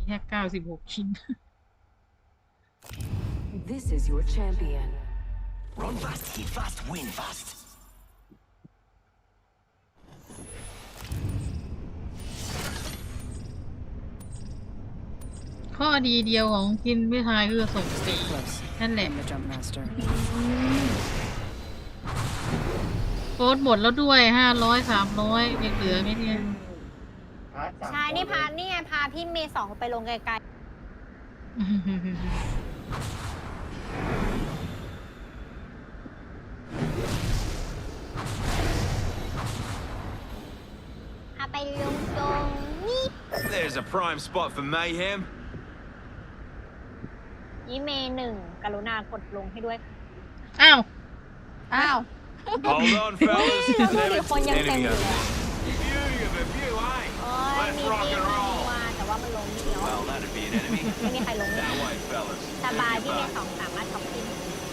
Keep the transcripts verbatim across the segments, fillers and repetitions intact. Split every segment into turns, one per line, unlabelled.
แค่เก้าสิบหกชิ้น
This is your champion.
Run fast, hit fast, win fast.
ข้อดีเดียวของกินไม่ทายคือส่งสี
Close.
นั่นแหละ
I'm the jump master.
โค้ดหมดแล้วด้วยห้าร้อยสามร้อยยังเหลือไหมเนี่ย
ใช่นี่พานี่ไงพาพี่เมย์สองไปลงไกลๆพาไปลงตรงนี้
There's a prime spot for mayhem.
ยี่เมย์หนึ่งกรุณากดลงให้ด้วย
อ้าว
อ้าว
Hold on, fellas.
เราดูดิคนยังเต็ม
Enemy
อยู่
over
เลย
Beauty of a view, eh?
โอ้ยมีทีมมาแต่ว่ามันลงไม่เดียว
Well, that'd be an enemy.
ไม่มีใครลงเลย
That way, fellas.
สบายพี่เมย์สองสามารถท็อปปิ้ง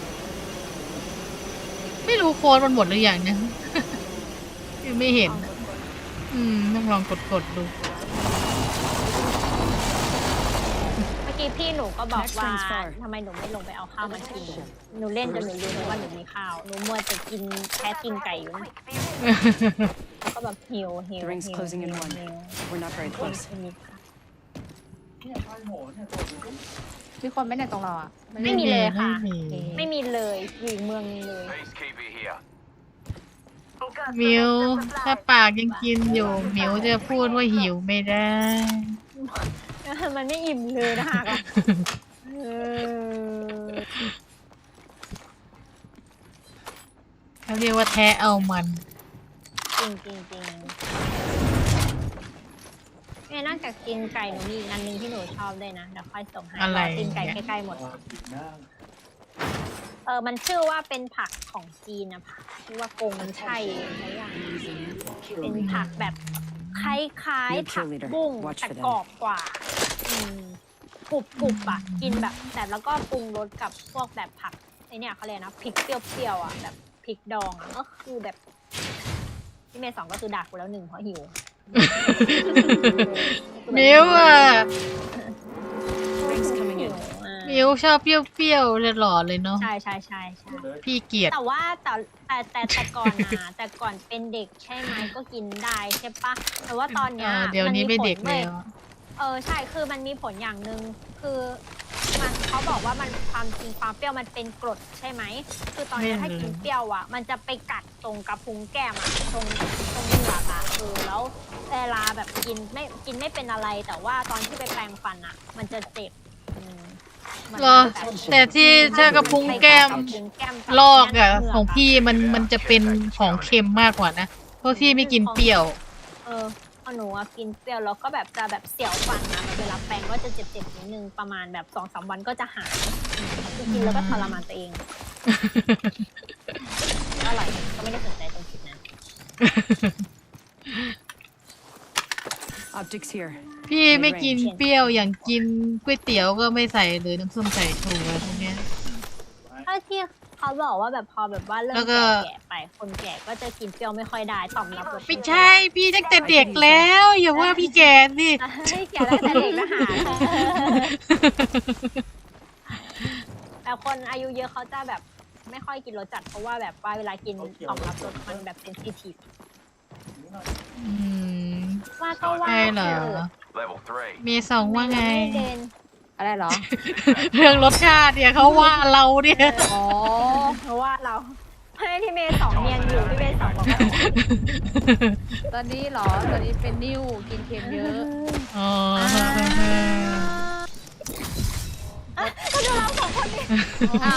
ไม่รู้โค้ดมันหมดหรือยังเนี่ย ยังไม่เห็น อืมต้องลองกดกดดู
เมื่อกี้พี่หนูก็บอกว่าทำไมหนูไม่ลงไปเอาข้าวมากิน หนูเล่นจนหนูลืมว่าหนูมีข้าว หนูมัวแต่กินแค่กินไก่อยู่นะแล้วก็แบบหิวหิว
The ring's
หิว
closing in
หิว
one.
หิว
We're not very close.
ไม่มีข้าว
มีคนไหมเนี่ยตรงเราอ่ะ
ไม่มีเลยค่ะ
ไม่มี
ไม่มีเลยอยู่อีกเมืองนึงเลย
Peacekeeper here.
มิวถ้าปากยังกินอยู่มิวจะพูดว่าหิวไม่ได้
มันไม่อิ่มเลยนะคะเออ
เขาเรียกว่าแท้เอามัน
จริงจริงจริงแม่นอกจากกินไก่หนูมีอีกอันหนึงที่หนูชอบด้วยนะเดี๋ยวค่อยส่งให้
อะไร
รกินไก่ใกล้ๆหมด เออมันชื่อว่าเป็นผักของจีนนะผักชื่อว่ากงมันใช่อะไรอย่างเป็นผักแบบคล้ายๆผักบุ้งแต่กรอบกว่าอืมกรุบกรุบๆอ่ะกินแบบแต่แล้วก็ปรุงรสกับพวกแบบผักไอเนี่ยเขาเรียกนะพริกเปรี้ยวๆอ่ะแบบพริกดองอ่ะก็คือแบบพี่เมย์สองก็คือด่ากูแล้วหนึ่งเพราะหิว
มิวอ่ะ
Ring's coming in.
มิวชอบเปรี้ยวๆหล่อๆเลยเนาะ
ใช่ใช่ใช่ใช่
พี่เกลียด
แต่ว่าแต่แต่แต่แต่ก่อนนะแต่ก่อนเป็นเด็กใช่ไหมก็กินได้ใช่ปะแต่ว่าตอนเนี้ย
เออเดี๋ยวนี้ไม่เด็ก
ว้
แล้ว
เออใช่คือมันมีผลอย่างหนึ่งคือมันเขาบอกว่ามันความจริงความเปรี้ยวมันเป็นกรดใช่ไหมคือตอนเนี้ยถ้ากินเปรี้ยวอ่ะมันจะไปกัดตรงกระพุ้งแก้มอ่ะตรงตรงเหงือกอ่ะเออแล้วเวลาแบบกินไม่กินไม่เป็นอะไรแต่ว่าตอนที่ไปแปรงฟันอ่ะ มันจะเจ็บอืมมัน
เหรอ
แบบ
แต่ที่ถ้ากระพุ้งแก้ม
กระพุ้งแก้ม
ลอกอะของพี่มันมันจะเป็นของเค็มมากกว่านะ เพราะพี่ไม่กินเปรี้ยว
เออพอหนูอะกินเปรี้ยวแล้วก็แบบจะแบบเสียวฟันนะแบบเวลาแปรงก็จะเจ็บๆนิดนึงประมาณแบบสองสามวันก็จะหายอืมคือกินแล้วก็ทรมานตัวเองอร่อยก็ไม่ได้สนใจตรงจุดนั้น
Optics here.
พี่ไม่กินเปรี้ยวอย่างกินก๋วยเตี๋ยวก็ไม่ใส่เลยน้ำส้มสายชูอะไรพวกเนี้ย
ถ้าที่เขาบอกว่าแบบพอแบบว่าเริ่
แล้
ม
วก็
แก่ๆไปคนแก่ก็จะกินเปรี้ยวไม่ค่อยได้ต่อมรับรส
ไม่ใช่พี่ตั้งแต่เด็กแล้วอย่าว่าพี่แกสิ
ให้แก่ได้แต่เด็กก็หาแต่คนอายุเยอะเขาจะแบบไม่ค่อยกินรสจัดเพราะว่าแบบว่าเวลากินต่อมรับรสมันแบบเซนซิทีฟ
อืม
ว่าก็ว่า
ใช่เหรอ
Level three.
เมย์สองว่าไง
ม่เด่น
อะไรเหรอ
เรื่องรสชาติเนี่ยเขาว่าเราเนี่ย
อ๋อ
เพราะว่าเราให้พี่เมย์สองเนียนอยู่พี่เมย์สองบอกว่า
ตอนนี้เหรอ ตอนนี้เป็นนิ้วกินเค็มเยอะ
อ๋อ
ก็ดูเราสองคนนี่
อ้าว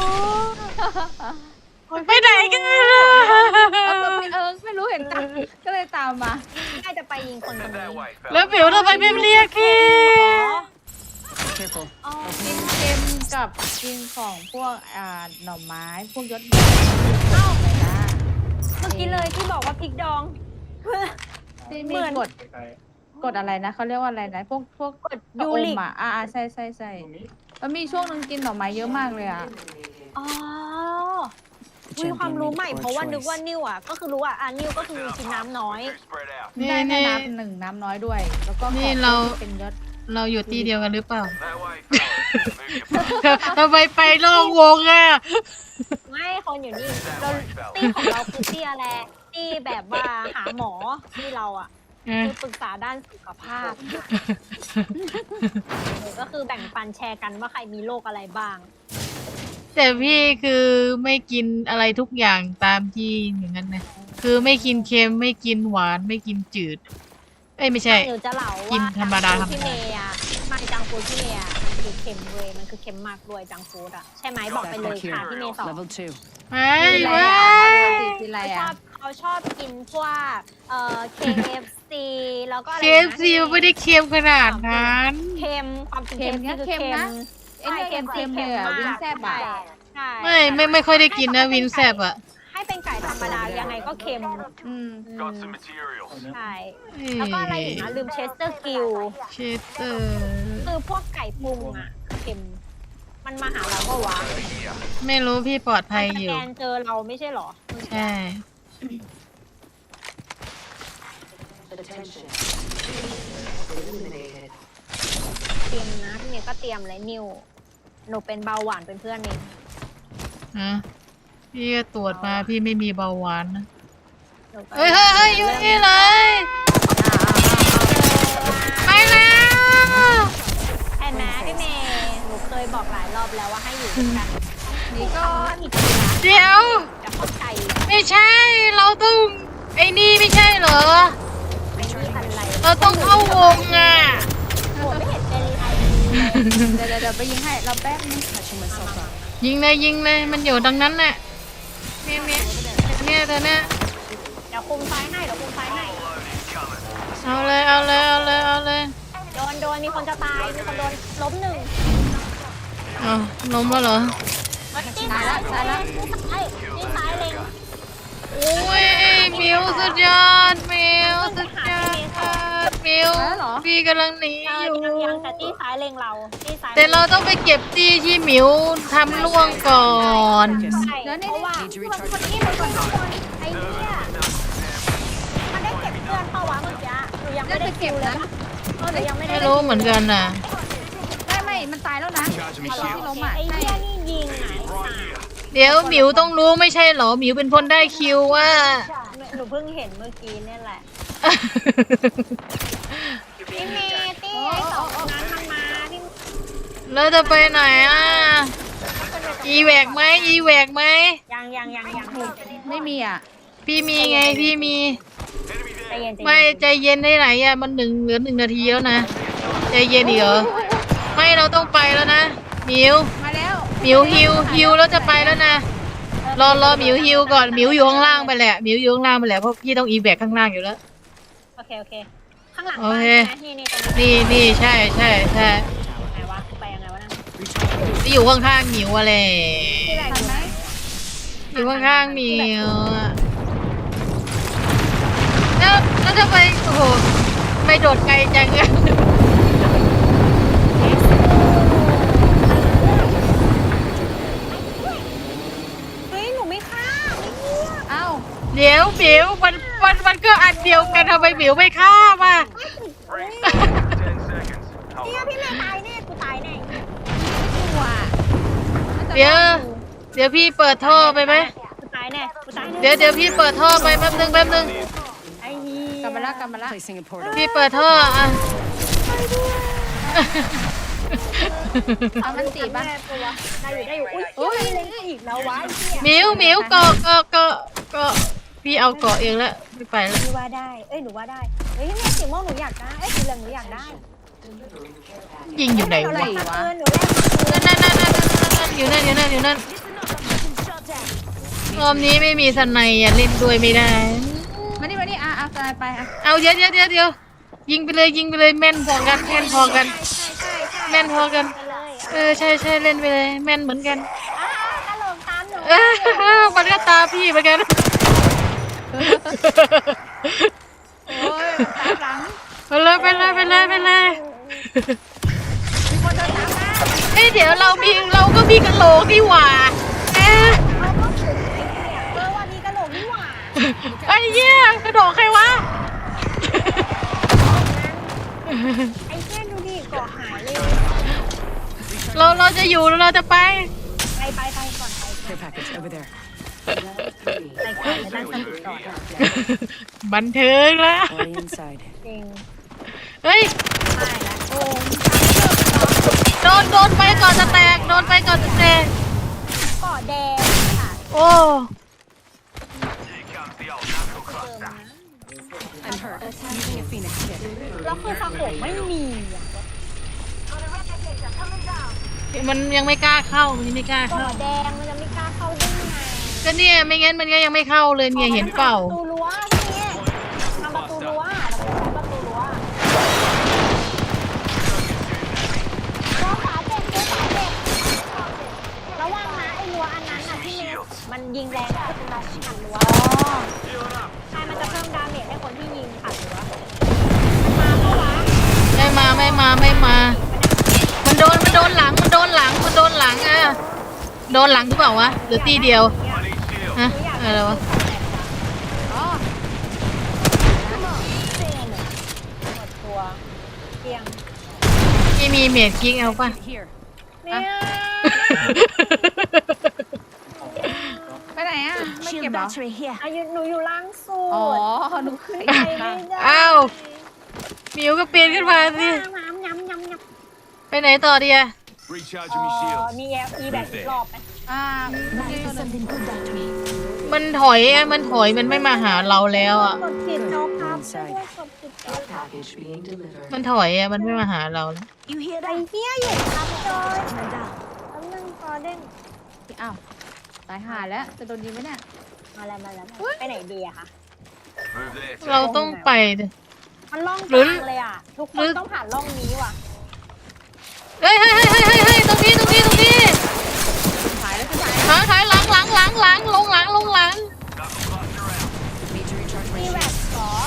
ไปไหนกันล่ะ
เอาตัวไปเอิงไม่รู้เห็นตามก็เลยตามมา
น่าจะไปยิงคนตรง
Head
นี้
that way,
แล้ว
fellas.
เบลทำไมไม่เรียกพี่
Careful.
อ๋อ
กินเค็มกับกินของพวกอ่าหน่อไม้ พวกยศ
เอ้า
อะไรนะ
เมื่อกี้เลยที่บอกว่าพริกดอง
ที่
เห
มี
มือน
กฎกฎอะไรนะเขาเรียกว่าอะไรนะ พวกพวก
กดยูริก
อ่ะอ่าอ่าใช่ใช่ใช่แล้วมีช่วงนึงกินหน่อไม้เยอะมากเลยอ่ะ
อ๋อมีความรู้ใหม่เพราะว่านึกว่านิ่วอ่ะก็คือรู้อ่ะอ่ะนิ่วก็คือกินน้ำน้อย
Spread out.
นี่
ได้แม่
นี่
น้ำหนึ่งน้ำน้อยด้วย แล้วก็
นี่
ของ
เรา
ที่เป็นยศ
เราอยู่ที่เดียวกันหรือเปล่า
That way, fellas. Move your
ทำไมไปโลกวงอ่ะ
ไม่คนอยู่นี่เราตี้ของเราคือตี้อะไรตี้แบบว่าหาหมอที่เราอ่ะ
เออ
คือปรึกษาด้านสุขภาพหรือก็คือแบ่งปันแชร์กันว่าใครมีโรคอะไรบ้าง
แต่พี่คือไม่กินอะไรทุกอย่างตามที่อย่างนั้นนะคือไม่กินเค็มไม่กินหวานไม่กินจืด เอ้ยไม่ใช่
หนูจะเล่า
กิน
ว่า
ธรรมดา
จังฟูดที่เมย์อะไม่จังฟูดที่เมย์อะมันคือเค็มเว้ยมันคือเค็มมากด้วยจังฟูดอะใช่ไหมบอกไปเลยค่ะที่เมย์สอน
Level two.
ไม่
กินอะไร
ไม่
อ่ะกินอะไร
เขาชอ
อ่ะ
บเขาชอบกินพวกเอ่อ เค เอฟ ซี แล้วก็อะไร
เค
นะ
เอฟซีมันไม่ได้เค็มขนาดนั้น
เค็มความจริง
เค็
เค็
ม
ม
นะ
คือ
เค็
เค็
ม
ม
นะ ไอ้เนี่ยเค็มๆเลยอ่ะวิงแซ่บอ่ะ
ใช่
ไม่ไม่ไม่ค่อยได้กินนะวินแซบอ่ะ
ให้เป็นไก่ธรรมดายังไงก็เค็ม
อืม
got some materials.
ใช่แล้วก็อะไรอีกนะลืมเชสเตอร์กิล
เชสเตอร์
คือพวกไก่ปรุงอ่ะเค็มมันมาหาเราก็วะ
ไม่รู้พี่ปลอดภัย
ส
อยู่
แกนเจอเราไม่ใช่เหรอ
ใช่
Attention. Eliminated.
เตรียมนะพี่เมย์ก็เตรียมเลยนิวหนูเป็นเบาหวานเป็นเพื่อนเอง
ฮะพี่ก็ตรวจมาพี่ไม่มีเบาหวานนะ
หนูก็
เฮ้ยเฮ้ยเฮ้ยอยู่นี่เลยไปแล้ว
แอนนะพี่เมย์หนูเคยบอกหลายรอบแล้วว่าให้อยู่ด้วยกัน
นี่ก็
อีกทีนะ
เดี๋ยว
จะเข้าใจ
ไม่ใช่ เราต้องไอ้นี่ไม่ใช่เหรอ
ไม่มีอะไร
เราต้องเข้าวงอ่ะ
โหไม่เห็นเป็นไร
เดี๋ยวเดี๋ยวเดี๋ยวไปยิงให้เราแป๊บนึง
Catching myself up.
ยิงเลยยิงเลยมันอยู่ดังนั้นน่ะเนี่ยเนี่ยเนี่ยแต่เนี่ย
เดี๋ยวคุมซ้ายให้เดี๋ยวคุมซ้ายให้
เอาเลยเอาเลยเอาเลยเอาเลย
โดนโดนมีคนจะตายมีคนโดนล้มหนึ่ง
เอาล้มแล้วเหรอ
ตีซ้ายแล้วซ้ายแล้วไอ้ตีซ้ายเล็ง
โอ้ยมิวสุดยอดมิวสุดยอดมิวพี่กำลังหนี
เอ
อ
อยู่ ยังยังแต่ตีซ้ายเล็งเราตีซ้าย
แต่เราต้องไปเก็บตี้ที่หมิวทำล่วงก่อน
ใช่เพราะว่าคนคนนี้มันคนข้างบนไอ้เนี่ยมันได้เก็บเพื่อนเปล่าวะเมื่อกี้หนูยังไม่ได้คิวเลยเออหนูยังไม่ได้
ไม่รู้เหมือนกันน่ะ
ไม่ไม่มันตายแล้วนะ
Charging me
ที่
shield.
ล้มอ่ะ
ไอ้
ใช่
เหี้ยนี่ยิงไหน
เดี๋ยวหมิวต้องรู้ไม่ใช่เหรอหมิวเป็นคนได้คิวว่า
หนูเพิ่งเห็นเมื่อกี้เนี่ยแหละพี่เมย์ตี้ไอ้สองคนนั้นมันมาพี่
แล้วจะไปไหนอ่ะอีแหวกไหมอีแหวกไหม
ยังยังยังยัง
ไม่มีอ่ะ
พี่มีไงพี่มี
ใจเย็นใจ
ไม่
เย็น
ใจเย็นได้ไหนอ่ะมันหนึ่งเหลือหนึ่งนาทีแล้วนะใจเย็นอีกเหรอไม่เราต้องไปแล้วนะหมิว
มาแล้ว
หมิวฮิวฮิวแล้วจะไปแล้วนะรอรอหมิวฮิวก่อนหมิวอยู่ข้างล่างไปแหละหมิวอยู่ข้างล่างไปแหละเพราะพี่ต้องอีแบกข้างล่างอยู่แล้ว
โอเคโอเคข้างหลัง
โอ
บ้าน
เค
ใช่ไหมนี่นี่ตรงนี้
นี่นี่ใช่ใช่ใช่
ไหนวะไปยังไงวะนั่น
ที่อยู่ข้างๆหมิวอะไร
ที่ไหน
ทันไหม
อยู่ข้างๆหมิวอะแล้วแล้วจะไปโอ้โหไปโดดไกลจังอะ
เฮ้ยหนูไม่ฆ่าไม่เหี้ย
เอ้า
เดี๋ยวหมิวมันมันมันก็อันเดียวกันทำไมหมิวไม่ฆ่ามา
Ring ten seconds.
เฮีย
Hold
พี่เมย์ตายแน่กูตายแน่
ตัว
เดี๋ยวเดี๋ยวพี่เปิดท่อไปไหม
กูตายแน่กูตายแน่
เดี๋ยวเดี๋ยวพี่เปิดท่อไปแป๊บนึงแป๊บนึง
ไอ้เหี้ย
กลับมาละกลับมาละ
Placing a portal.
พี่เปิดท่ออ่ะ
เอามันตีบ้าง
แม่ตัวได้อยู่ได้อยู่อุ้ย
โอ้ย
เล่นอีกแล้ววะไอ้เหี้ย
หมิวหมิวเกาะเกาะเกาะเกาะพี่เอาเกาะเองแล้วไม่ไปแล้ว
พี่ว่าได้เอ้ยหนูว่าได้เฮ้ยพี่เมย์สีม่วงหนูอยากได้เอ้ยสีเหลืองหนูอยากได้
ยิงอยู่ไหน
หนูแล
วะ
กมาคืนหนูแลกมาคืน
นั่นนั่นนั่นนั่นนั่นอยู่นั่นอยู่นั่นอยู่นั่นรอบนี้ไม่มีสนัยอ่ะเล่นด้วยไม่ได้
มานี่มานี่อ่ะอ่ะตายไปอ่ะ
เอาเดี๋ยวเดี๋ยวเดี๋ยวเดี๋ยวยิงไปเลยยิงไปเลยแม่นพอกันแม่นพอกัน
ใช่ใช่ใช่
แม่นพอกัน
ไปเลย
เออใช่ใช่เล่นไปเลยแม่นเหมือนกัน
อ่ากระโหลกตามหนู
เออมันก็ตาพี่เหมือนกัน
โอ้ยตามหลัง
ไปเลยไปเลยไปเลยไปเลย
มีคนเดินตามมา
เอ้ยเดี๋ยวเรามีเราก็มีกระโหลกนี่หว่าเอ๊ะ
เอาก็ถึงไอ้เนี่ยเออวันนี้กระโหลกนี่หว่า
ไอ้เหี้ยกระโดดใครวะ
ไอ้เช่นดูดิเกาะหายเลย
เราเราจะอยู่แล้วเราจะไป
ไปไปไปก่อนไป
Care package over there.
ไปก่อนไปตั้งสติก่อน
บันเทิงละ
Already inside.
จริง
เฮ้ย
ไม่ละโอ้
โดนโดนไปก่อนจะแตกโดนไปก่อนจะแตก
เกาะแดงค่ะ
โอ้
Here comes the old knuckle
เติม
cluster.
นะ
I'm hurt. Using a phoenix kit.
แล้วคือสะโขกไม่มีอ่ะ
มันยังไม่กล้าเข้ามันยังไม่กล้า
เกาะ
เข้า
แดงมันจะไม่กล้าเข้าได้ไง
ก็เนี่ยไม่งั้นมันก็ยังไม่เข้าเลยเนี่ยเห็นเปล่า
ประตูรั้วนี่ทำประตูรั้วเราไปใช้ประตูรั้วรั้วฝาเจ็บรั้วฝาเจ็บระวังนะไอ้รั้วอันนั้นน่ะที่มันยิงแรงขึ้นมาผ่านรั้ว
Healing up.
ใช่มันจะเพิ่มดาเมจให้คนที่ยิงผ่านรั้วมาเพราะว่า
ไม่มาไม่มาไม่มา มันโดนมันโดนหลังมันโดนหลังมันโดนหลังอ่ะโดนหลังหรือเปล่าวะหรือตีเดียว
I need shield.
ฮะอะไรวะ
อ๋อเสียงหมดตัวเตียง
ไม่มีเมดกิ๊กเอาป่ะ
Here.
เนี่ย
ไปไหนอ่ะ ไม่เก็บเหรอ
อายุหนูอยู่ล่างสุ
อ๋อ
ด
หนูเคย
ไป
เห็น
ไม่
ค่ะ
ได้
อ้าวหมิวก็ปีนขึ้นมาสิ
น้ำน้ำน้ำน้ำ
ไปไหนต่อดีอะ
Recharging me
เอ่อ
shields.
มีแอลอีแบบอีกรอบไหม
อ่ามันมีตัวหนึ่ง
มันถอยอะมันถอยมันไม่มาหาเราแล้วอ่ะ
กดผิดโจ๊กครับช่วยด้วยกดผิดโจ๊กครับ
Package being delivered.
มันถอยอะมันไม่มาหาเราแล้ว
ไอ้เหี้ยเหยียดครับจอยแป๊บนึงกอเด้น
อ้าวตายห่าแล้ว จะโดนยิงไหมเนี่ย
มาแล้วมาแล้วไปไหนดีอะคะ
Move there.
เราต้องไปดิ
มันล่อง
หรื
ก
อ
ลางเลยอะทุกค
หรื
น
อ
ต้องผ่านล่องนี้ว่ะ
เฮ้ยเฮ้ยเฮ้ยเฮ้ยเฮ้ยเฮ้ยตรงนี้ตรงนี้ตรงนี้
หายแล้วจะหาย
หางหายหลังหลังหลังหลังลงหลังลงหลัง
Knuckle cluster out.
Need to recharge my
มีแว
shield.
กสอก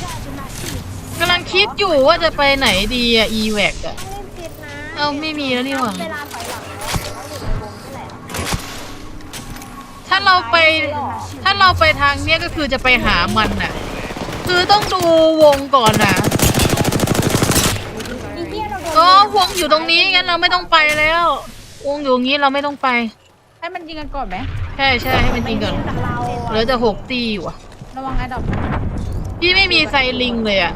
ำลังคิดอยู่ว่าจะไปไหนดีอะ อี แวค อะ
ต้องรีบผิดนะ
เอ้าไม่มีแล้วนี่หว่า
เวลาถอยหลังแล้วหรือว่าอยู่ในวงนี่แหละ
ถ้าเราไป ถ้าเราไปทางเนี้ยก็คือจะไปหามันน่ะ คือต้องดูวงก่อนน่ะ
อีเหี้ยเราโดน
ก็วงอยู่ตรงนี้งั้นเราไม่ต้องไปแล้ว วงอยู่ตรงนี้เราไม่ต้องไป
ให้มันยิงกันก่อนไหม
ใช่ใช่ให้มันยิงก่อน
จากเรา
เหลือจะหกตีอยู่อะ
ระวังไอ้ดอก
พี่ไม่มีไซลิงเลยอะ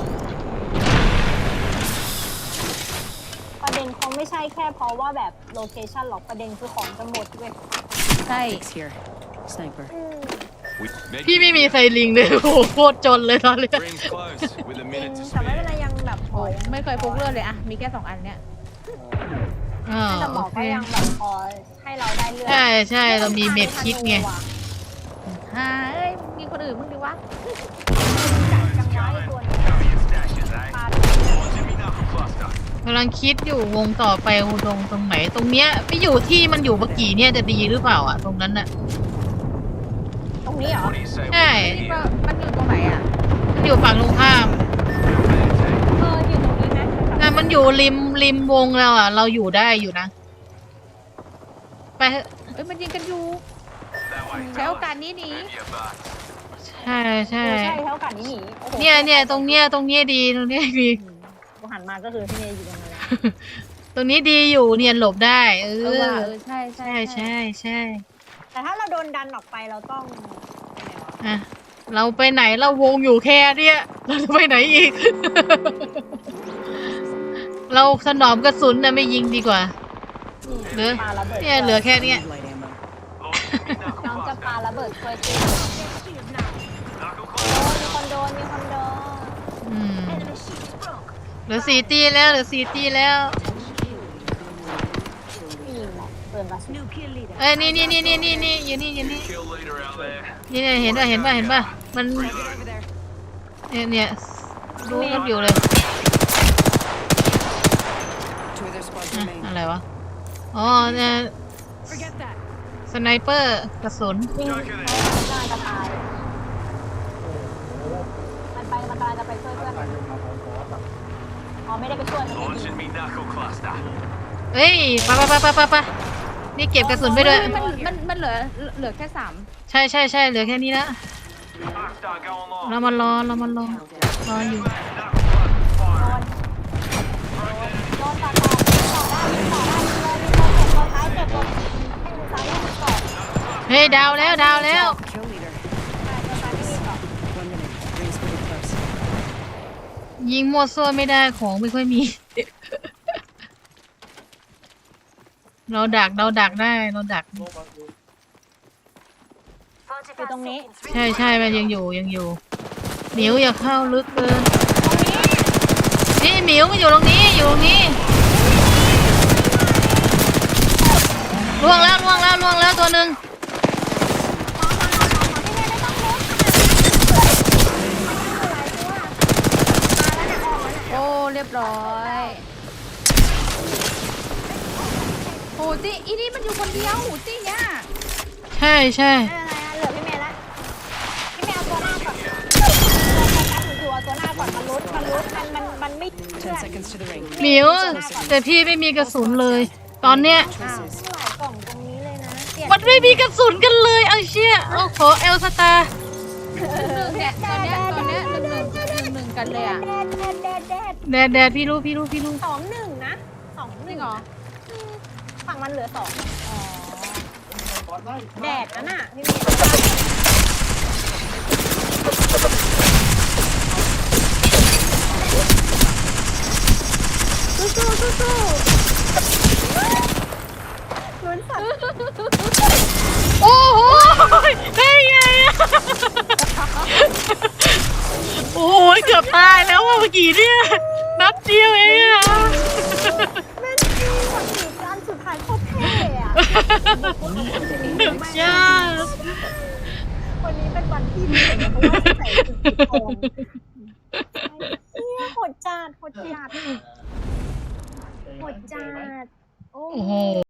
ประเด็นคงไม่ใช่แค่เพราะว่าแบบโลเคชั่นหรอกประเด็นคือของจะหมดเว้ย
ใช่
Fix here. Sniper.
อืม
We-
พี่ไม่มีไซลิงเลยโอ้โหโคตรจนเลยตอนเนี้ย
Rings close with a
จริง
minute to
แต่ไม่เป็น
spare.
ไรยังแบบพ
โอ้
อย
ไม่เคยพกเลือดเลยอะมีแค่สองอันเนี้ย
อ่า
แต่หม
โอ
อ
เค
ก็ยังแบบพอให้เราได้เลือด
ใช่ใช่เรามีเม็ดคิดไง
ฮ่าเอ้ย มีคนอื่นมึงดิวะ
จังไว้ตัวนี้
Cover your stashes, eh?
ปา
Launching me knuckle cluster.
กำลังคิดอยู่วงต่อไปตรงตรงไหน ตรงเนี้ยไปอยู่ที่มันอยู่เมื่อกี้เนี่ยจะดีหรือเปล่าอ่ะ ตรงนั้นน่ะ
ตรงนี้เหรอ
What do you say? we
ใช่
move
นี่
here?
ว่ามันอยู่ตรงไหนอะ
มันอยู่ฝั่งตรงข้าม
Move there, team.
เอออยู่ตรงนี้ไหม
แต่มันอยู่ริมริมวงแล้วอ่ะ เราอยู่ได้อยู่นะ ไปเถอะ
เอ้ย มันยิงกันอยู่
That way,
ใช้โอ
fellas.
กาสนี้หนี
Move your butts.
ใช่ใช่
เออใช่เท่ากันนี่หนีโอ้โห
เนี่ยเนี่ยตรงเนี้ยตรงเนี้ยดีตรงเนี้ยดี
กูหันมาก็คือพี่เนยอยู่ตรงนี้แล้ว
ตรงนี้ดีอยู่เนียนหลบได้ เอ
เออว่ะ
อ
เออ ใช่ใช่
ใช่ใช่ใช่
แต่ถ้าเราโดนดันออกไปเราต้องไปไหนวะ
อ่ะเราไปไหนเราวงอยู่แค่เนี้ยเราจะไปไหนอีก เราถนอมกระสุนนะไม่ยิงดีกว่า เหลือ
ปาระเบิด
เนี่ยเหลือแค่เนี้ย
Need light ammo.
Launching me
น้อง
knuckle
จะปา
cluster.
ระเบิดช่วยตี
Knuckle
โอ้
cluster.
มีคนโดนมีคนโดน
อืมเหลือสี่ตีแล้วเหลือสี่ตีแล้ว
ผู้หญิงเหรอเปิดมาสุด
เอ้ยนี่นี่นี่นี่นี่นี่อยู่นี่อยู่นี่
Kill leader out there.
นี่เนี่ยเห็นป่ะเห็นป่ะเห็นป่ะมัน
Over there.
เนี่ยเนี่ยดูกันอยู่เลย
Two of their squads
อ่ะ
remain.
อะไรวะอ๋อเนี่ย
Forget that.
สไนเปอร์กระสุน
วิ่ง
Joker there.
น่าจะตายมันไปมันกำลังจะไปช่วยเพื่อนอ๋อไม่ได้ไปช่วยมันไม่ดี
Launching me knuckle cluster.
เอ้ยไปไปไปไปไปไปนี่เก็บกระสุนไปด้วย
เฮ้มันมันมันเหลือเหลือแค่สาม
ใช่ใช่ใช่เหลือแค่นี้ละ
Cluster going long.
เรามารอเรามารอรออยู่
Knuckle cluster firing. Throw enemy
เฮ้ยดาวแล้วดาวแล้ว
Kill leader.
ตายตัวตายไม่มีเกาะ
One minute. Rings pretty close.
ยิงมั่วซั่วไม่ได้ของไม่ค่อยมี เราดักเราดักได้เราดัก
อยู่ตรงนี้
ใช่ใช่มันยังอยู่ยังอยู่หมิวอย่าเข้าลึกเกินนี่หมิวมันอยู่ตรงนี้อยู่ตรงนี้ล่วงแล้วล่วงแล้วล่วงแล้วตัวหนึ่ง
โอ้เรียบร้อยโหตีอีนี่มันอยู่คนเดียวหูตีเนี่ย
ใช่ใช่
ไม่เป็นไรนะเหลือพี่เมย์ละพี่เมย์เอาตัวหน้าก่อนตัวหน้าก่อนอยู่เอาตัวหน้าก่อนมันรุดมันรุดมันมันมันไม่เชื่อ
Ten seconds to the ring.
หมิวแต่พี่ไม่มีกระสุนเลย ตอนเนี้ย
อ้าว
Choices.
หลายกล่องตรงนี้เลยนะเปลี่ยน
มันไม่มีกระสุนกันเลยเอาเชี่ยเอาขอเอลสตาร์
หนึ่งเนี่ยตอนเนี้ยตอนเนี้ยหนึ่งหนึ่งหนึ่งหนึ่งกันเลยอ่ะ
แดดแดดแดดแดด
แดดแดดพี่รู้พี่รู้พี่รู้
สองหนึ่งนะสองห
จริ
นึ่
ง
ง
เหรอ
ฝั่งมันเหลือสอง
อ๋อ
แดดนั่นน่ะพี่เมย์สู้สู้สู้สู้ลุ้นสัตว์
โอ้โหได้ไงอะโอ้ยเกือบตายแล้วว่ะเมื่อกี้เนี่ยนัดเดียวเองอะ
แม่นจริงหมดสีการสุดท้ายโคตรเท่อะ
จ้า
วันนี้เป็นวันที่ดีเพราะว่าใส่ชุดสีทองเนี่ยโหดจัดโหดจัดโหดจัดโอ้
โอ้โห